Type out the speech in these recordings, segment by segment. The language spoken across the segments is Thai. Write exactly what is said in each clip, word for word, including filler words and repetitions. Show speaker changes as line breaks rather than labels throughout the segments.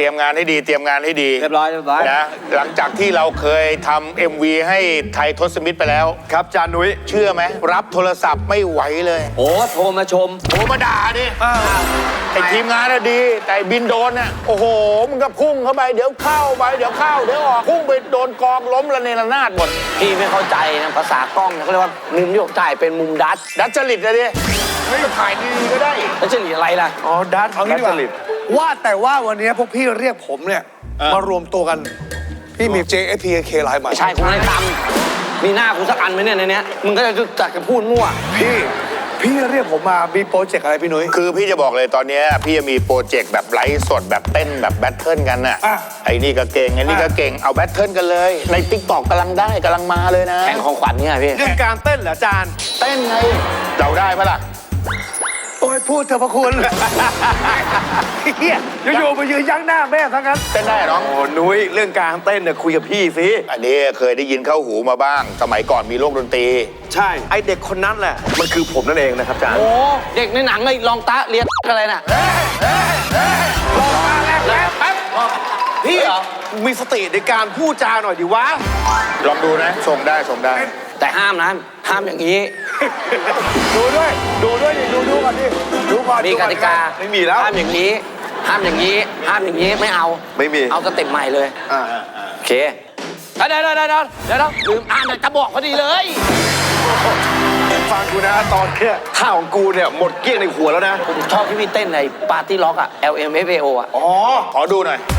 ยมงานให้ดีเตรียมงานให้ดี
เรียบร้อยเรียบร้อย
นะหลังจากที่เราเคยทำ เอ็ม วี ให้ไทยทศมิตรไปแล้ว
ครับจานุ้ย
เชื่อไหมรับโทรศัพท์ไม่ไหวเลย
โอ้โทรมาชม
โทรมาด่าดิไอ้ทีมงานน่ะดีแต่บินโดนน่ะโอ้โหมึงก็พุ่งเข้าไปเดี๋ยวเข้าไปเดี๋ยวเข้าเดี๋ยวออกพุ่งไปโดนกองล้มระเนระนาดหมด
พี่ไม่เข้าใจนะภาษากล้องเขาเรียกว่ามุมที่ผมถ่ายเป็นมุมดัช
ดัชจริตนะดิไม่ถ่ายดีๆก็ได้
ดัชจริตอะไรล่ะ
อ๋อดัชเอางี้ดีกว่าว่าแต่ว่าวันนี้พวกพี่เรียกผมเนี่ยมารวมตัวกันพี่มี เจ เอส พี เค ไลน์ใหม่
ใช่คุณได้ตำมีหน้าคุณสักอันไหมเนี่ยในนี้มึงก็จะจัดกันพูดมั่ว
พี่พี่เรียกผมมามีโปรเจกต์อะไรพี่นุ้ย
คือพี่จะบอกเลยตอนนี้พี่จะมีโปรเจกต์แบบไลฟ์สดแบบเต้นแบบแบทเทิลกันน่ะไอ้นี่ก็เก่งไอ้นี่ก็เก่งเอาแบทเทิลกันเลยในติ๊กต็อกกำลังได้กำลังมาเลยนะ
แข่งของขวัญเนี่ยพี่
เรื่องการเต้นเหรอจาน
เต้นไงเราได้ปะล่ะ
โอ้ยพูดเถอะพระคุณเฮียอยู่ๆมายืนยั้งหน้าแม่ทั้งนั้น
เต้นได้น้อง
โอ้นุ้ยเรื่องการเต้นเนี่ยคุยกับพี่สิ
อันนี้เคยได้ยินเข้าหูมาบ้างสมัยก่อนมีโลกดนตรี
ใช่ไอเด็กคนนั้นแหละมันคือผมนั่นเองนะครับจาน
โอ้เด็กในหนังเลยลองตะเรียนอะไรน่ะ
ลองมาแล้วแป๊บพี่เหรอมีสติในการพูดจาหน่อยดิวะ
ลองดูนะส่งได้ส่งได้
แต่ห้ามนะห้ามอย่างนี้
ดูด้วยดูด้วยดิดูดูก่อนดิดูก่อน
มีกติกา
ไม่มีแล้ว
ห้ามอย่างนี้ห้ามอย่างนี้ห้ามอย่างนี้ไม่เอา
ไม่มี
เอาสเต็ปใหม่เลยโอเคเดี๋ยวเดี๋ยวเดี๋ยวเดี๋ยวเดี๋ยวลืมอ่านจะบอกพอดีเลย
ฟังกูนะตอนเนี้ยท่าของกูเนี่ยหมดเกลี้ยงในหัวแล้วนะ
ผมชอบที่พี่เต้นในปาร์ตี้ล็อกอะ แอล เอ็ม เอฟ เอ โอ อะ
อ๋อขอดูหน่อย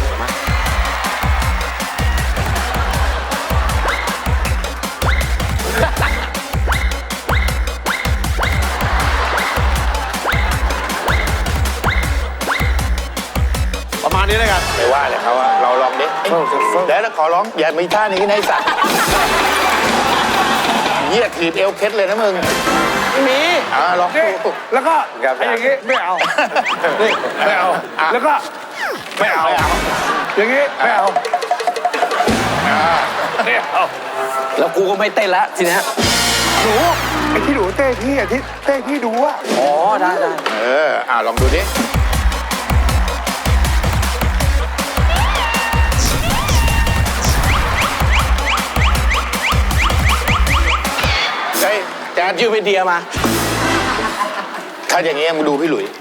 ประมาณนี้เลยกัน
ไม่ว่าเลยเขาว่าเราลองดิแล้วขอร้องอย่ามีท่านี้ในสัตว์เยี่ยถีบเอวเคล็ดเลยนะมึง
ไม่มี
อ่าลอง
ดูแล้วก็อย่างงี้ไม่เอานี่ไม่เอาแล้วก็ไม่เอาอย่างงี้ไม่เอาไม่เอา
แล้วกูก็ไม่เต้นแล้วทีนี้
หนูไอ้ที่หนูเต้พี่อ่ะที่เต้พี่ดูอ่ะ
อ๋อได้ได้
เอออ่าลองดูดิ
แจ๊ดยืมไอเดียมา
ถ้าอย่างงี้มึงดูพี่หลุย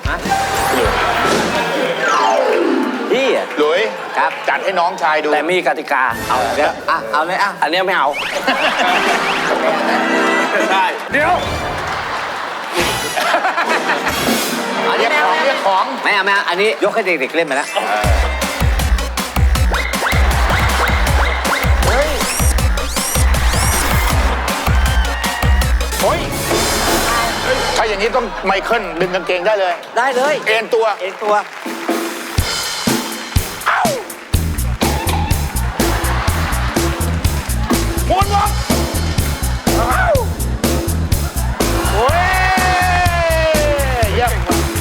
พี่
หลุย
ครับ
จัดให้น้องชายดู
แต่มีกติกาเอาเดี๋ยวอ่ะเอาเลยอ่ะอันนี้ไม่เอา
ได้เดี๋ยว
อันนี้ของเรียกของไม่เอาไม่เอาอันนี้ยกให้เด็กๆเล่นไปแล้ว
โอ้ยถ้าอย่างนี้ต้องไมเคิลดึงกางเกงได้เลย
ได้เลย
เอ็นตัว
เอ็นตัว
ม้วนวงโอ้ยเยี่ยม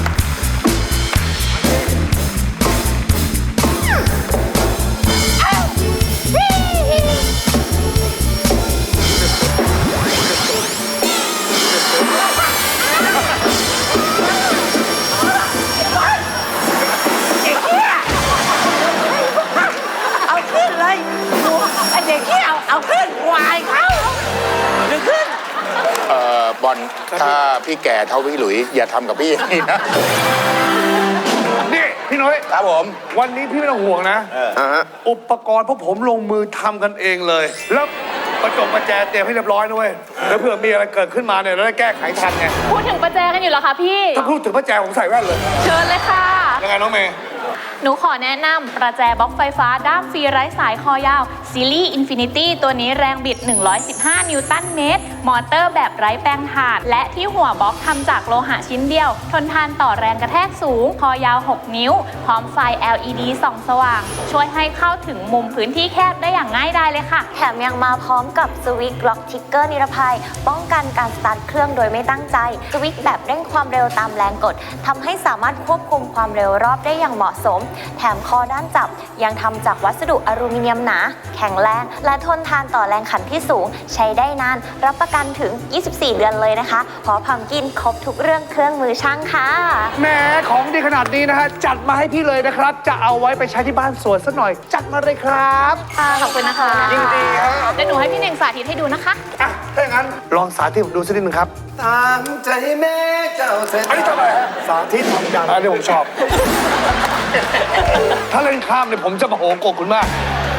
เอาขึ้นวายเขาดึงขึ้น
เอ่อบอลถ้าพี่แก่เท่าพี่หลุยอย่าทำกับพี่อย่างนี้นะ
นี่พี่น้อย
ครับผม
วันนี้พี่ไม่ต้องห่วงนะอุปกรณ์พวกผมลงมือทำกันเองเลยแล้วประจงประแจเตรียมให้เรียบร้อยด้วยแล้วเผื่อมีอะไรเกิดขึ้นมาเนี่ยเราได้แก้ไขทันไง
พูดถึงประแจกันอยู่เหรอคะพี่
ถ้าพูดถึงประแจผมใส่แว่นเลย
เชิญเลยค่ะ
ยังไงน้องเมย์
หนูขอแนะนำประแจบล็อกไฟฟ้าด้ามฟรีไร้สายคอยาวซีรีส์อินฟินิตี้ตัวนี้แรงบิดหนึ่งร้อยสิบห้านิวตันเมตรมอเตอร์แบบไร้แปลงถ่านและที่หัวบล็อกทำจากโลหะชิ้นเดียวทนทานต่อแรงกระแทกสูงคอยาวหกนิ้วพร้อมไฟ แอล อี ดี ส่องสว่างช่วยให้เข้าถึงมุมพื้นที่แคบได้อย่างง่ายดายเลยค่ะ
แถมยังมาพร้อมกับสวิตช์ล็อกทิกเกอร์นิรภัยป้องกันการสตาร์ทเครื่องโดยไม่ตั้งใจสวิตช์แบบเร่งความเร็วตามแรงกดทำให้สามารถควบคุมความเร็วรอบได้อย่างเหมาะสมแถมคอด้านจับยังทำจากวัสดุอลูมิเนียมหนาแแข็งแรงและทนทานต่อแรงขันที่สูงใช้ได้นานรับประกันถึง ยี่สิบสี่ เดือนเลยนะคะเพราะพัมกินครบทุกเรื่องเครื่องมือช่างค่ะ
แหมของดีขนาดนี้นะฮะจัดมาให้พี่เลยนะครับจะเอาไว้ไปใช้ที่บ้านสวนสักหน่อยจัดมาเลยครับ
ค่ะขอบคุณนะคะ
ยินดีครับ
เดี๋ยวหนูให้พี่เน่งสาธิตให้ดูนะคะ
อ่ะถ้าอย่างนั้นลองสาธิตผมดูสักนิดนึงครับ
ตามใจแม่เจ้าเสร็จ
อันนี้ทำไมฮะ
สาธิตทำยัน
อันนี้ผมชอบ ถ้าเล่นข้ามเนี่ยผมจะมาโหโกรธคุณมาก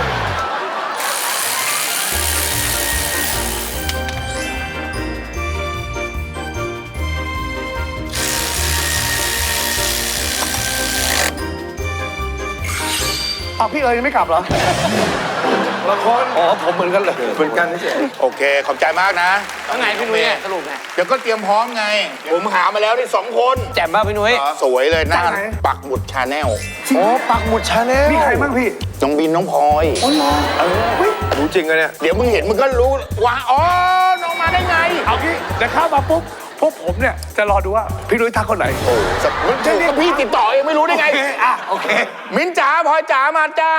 อ้าวพี่เอ๋ยยังไม่กลับเหรอละครอ๋อผมเหมือนกันเลย
เหมือนกันนี่เฉย
โอเค ขอบใจมากนะ
แล้วไงพี่นุ้ยเนี่ยสรุปไง
เดี๋ยวก็เตรียมพร้อมไง ผมหามาแล้วนี่สองคน
แจ่มป่ะพี่นุ้ย
สวยเลยหน้า
จากไหน
ปักหมุดชาแนล
โอ้ปักหมุดชาแนล
มีใครบ้างพี่
น้องบินน้องพลอย
รู้จริงเลยเนี่ย
เดี๋ยวมึงเห็นมึงก็รู้ว่าอ๋อ น้องมาได้ไง
เอางี้เดี๋ยวเข้ามาปุ๊บพวกผมเนี่ยจะรอดูว่าพี่นุ้ยทักคนไหน
โอ้สักมึงถูกกับพี่ติดต่อเองไม่รู้ได้ไง
โอเคอ่ะโอเค
มิ้นจ๋าพลอยจ๋ามาจ้า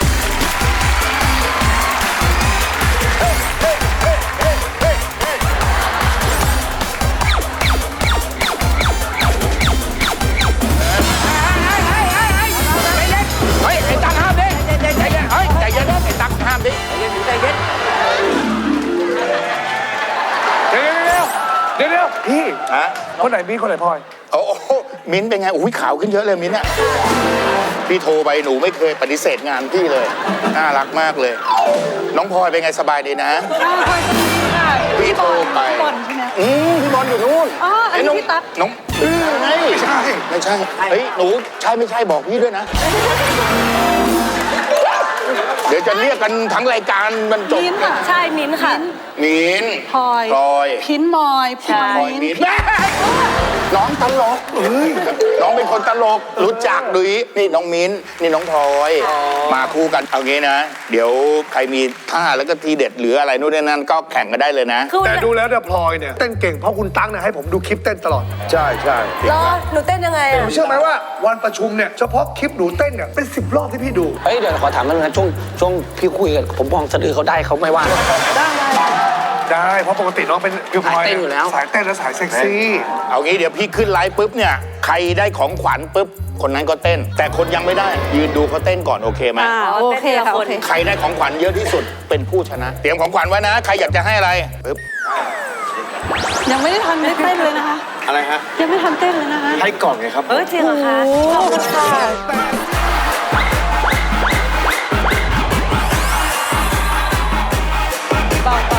เฮ้ย ไอ้ตั๊กห้ามดิใจเย็นเฮ้ยใจเย็นไอ้ตั๊กห้ามดิใจเย็นใจเย็น
เดี๋ยวเดี๋ยวเดี๋ยวเดี๋ยวพี่
ฮะ
คนไหนมีคนไหนพลอย
โอ้โหมิ้นเป็นไงอุ้ยขาวขึ้นเยอะเลยมิ้นอะพี่โทรไปหนูไม่เคยปฏิเสธงานพี่เลย น่ารักมากเลย น้องพลอยเป็นไงสบายดีนะ พี่โทรไปพี่บอลใช่ไหมอืมพี่บอลอยู่นู่น
อ๋ออันนี้
น้อง
พี่ตั๊ก
น้องเออไงไม่ใช่ไม่ใช่เฮ้ยหนูใช่ไม่ใช่บอกพี่ด้วยนะ เดี๋ยวจะเรียกกันทั้งรายการมันจบ
มิ้นท์ค่ะใช่มิ้นท์ค่ะ
มิ้น
พลอย
พลอย
พินมอยพลอย
พลอย
มิ้น
มิ้
ท์
นน้องตลกเอ้ยน้องเป็นคนตลกรู้จักดุยนี่น้องมิ้นนี่น้องพลอยมาคู่กันเอางี้นะ เดี๋ยวใครมีท่าแล้วก็ทีเด็ดหรืออะไรนู่นนี่นั่นก็แข่งกันได้เลยนะ
คือ
แต่ดูแล้วเนี่ยพลอยเนี่ยเต้นเก่งเพราะคุณตั้งเนี่ยให้ผมดูคลิปเต้นตลอด
ใช่ใช่
รอหนูเต้นยังไง
ผ
อะ
มเชื่อไหมว่าวันประชุมเนี่ยเฉพาะคลิปหนูเต้นเนี่ยเป็นสิบรอบที่พี่ดู
เฮ้ยเดี๋ยวขอถามมันนะช่วงช่วงพี่คุยกันผมมองสะดือเขาได้เขาไม่ว่า
ได้เพราะปกติน้องเป็นคือพลอย
สายเต้นอยู่แล้ว
สายเต้นและสายเซ็กซี่
เอางี้เดี๋ยวพี่ขึ้นไลฟ์ปุ๊บเนี่ยใครได้ของขวัญปุ๊บคนนั้นก็เต้น แต่คนยังไม่ได้ยืนดูเขาเต้นก่อนโอเคไหม
อ่าโอเคค่ะโอเค
ใครได้ของขวัญเยอะที่สุดเป็นผู้ชนะ เตรียมของขวัญไว้นะ ใครอยากจะให้อะไรปึ๊บ
ยังไม่ได้ทันไม่ได้เต้นเลยนะคะ
อะไรฮะ
ยังไม่ทันเต้นเลยนะคะ
ให้ก่อนไงครับ
เออจริงเหรอคะขอบคุณค่ะเบาๆ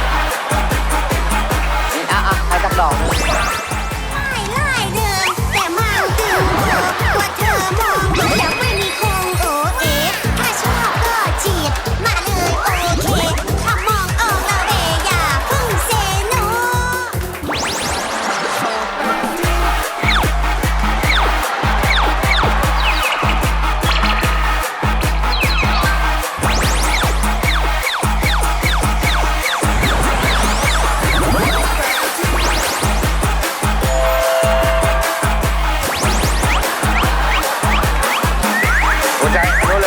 อ่ะอ่ะให้สักดอก
ไม่ไล่เดิมแต่มาดึงเธอว่าเธอมองแล้วไม่มีคงโอเอถ้าชอบก็จีบมาเลยโอเคถ้ามองออกแล้วเดอย่าเพึ่งเซโน
หัวใจโน่นเลย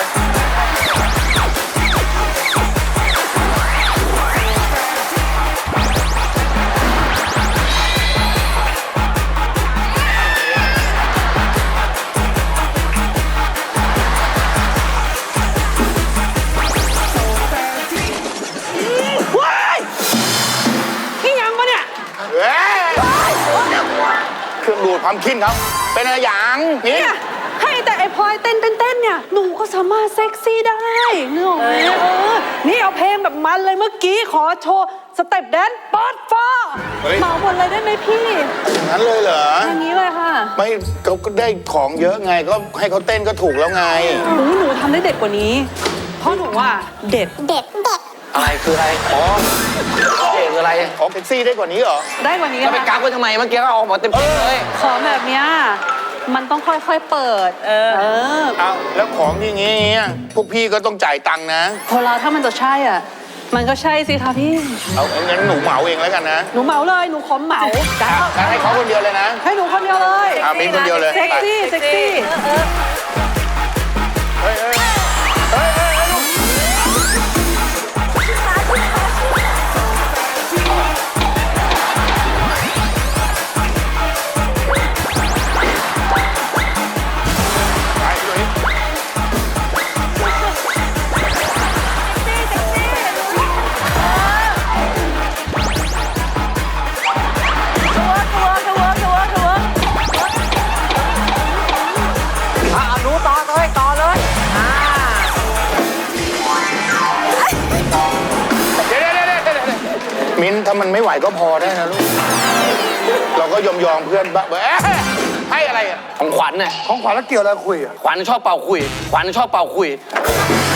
พี่ยังปะเนี่ย
เอ้ยเครื่องดูดความคินเขาเป็นอะไรอย่างนี้
เนี่ยให้แต่ไอ้พลอยเต้นเต้นเต้นเนี่ยหนูก็สามารถเซ็กซี่ได้นึกออกไหมเออนี่เอาเพลงแบบมันเลยเมื่อกี้ขอโชว์สเต็ปแดนซ์เปิดฟ้าเหมาหมดเลยได้ไหมพี่
อย่างนั้นเลยเหรอ
อย่างนี้เลยค่ะ
ไม่เขาก็ได้ของเยอะไงก็ให้เขาเต้นก็ถูกแล้วไง
หนูหนูทำได้เด็ดกว่านี้ เพราะหนูว่าเด็ด
เด็ดเด็ด
อะไรคืออะไรอ๋อเด็กคืออะไร
ออกแท็กซี่ได้กว่านี้เหรอ
ได้กว่านี้
แล้วไปกั
ค่ะ
กไว้ทำไมเมื่อกี้ก็ออกมาเต็มๆเลย
ขอแบบเนี้ยมันต้องค่อยๆเปิด เออ เออ
เอาแล้วของอย่างงี้พวกพี่ก็ต้องจ่ายตังค์นะ
พอเราถ้ามันจะใช่อ่ะ มันก็ใช่สิคะพี่
เอางั้นหนูเหมาเองแล้วกันนะ
หนูเหมาเลย หนูขอเหมา
อ่ะงั้นให้เขาคนเดียวเลยนะ
ให้หนูคนเดียวเลย
อ่ะมิ้นคนเดียวเลย
เซ็กซี่ เซ็กซี่
เฮ้ยเฮ้ยเฮ้ยเฮ้ยลูกมิ้นถ้ามันไม่ไหวก็พอได้นะลูก เราก็ยอมยอมเพื่อนบ้างเอ๊ะให้อะไรอ่ะ
ของขวัญน่ะ
ของขวัญแล้วเกี่ยวอะไรคุยอ่ะ
ขวัญชอบเป่าคุยขวัญชอบเป่าคุย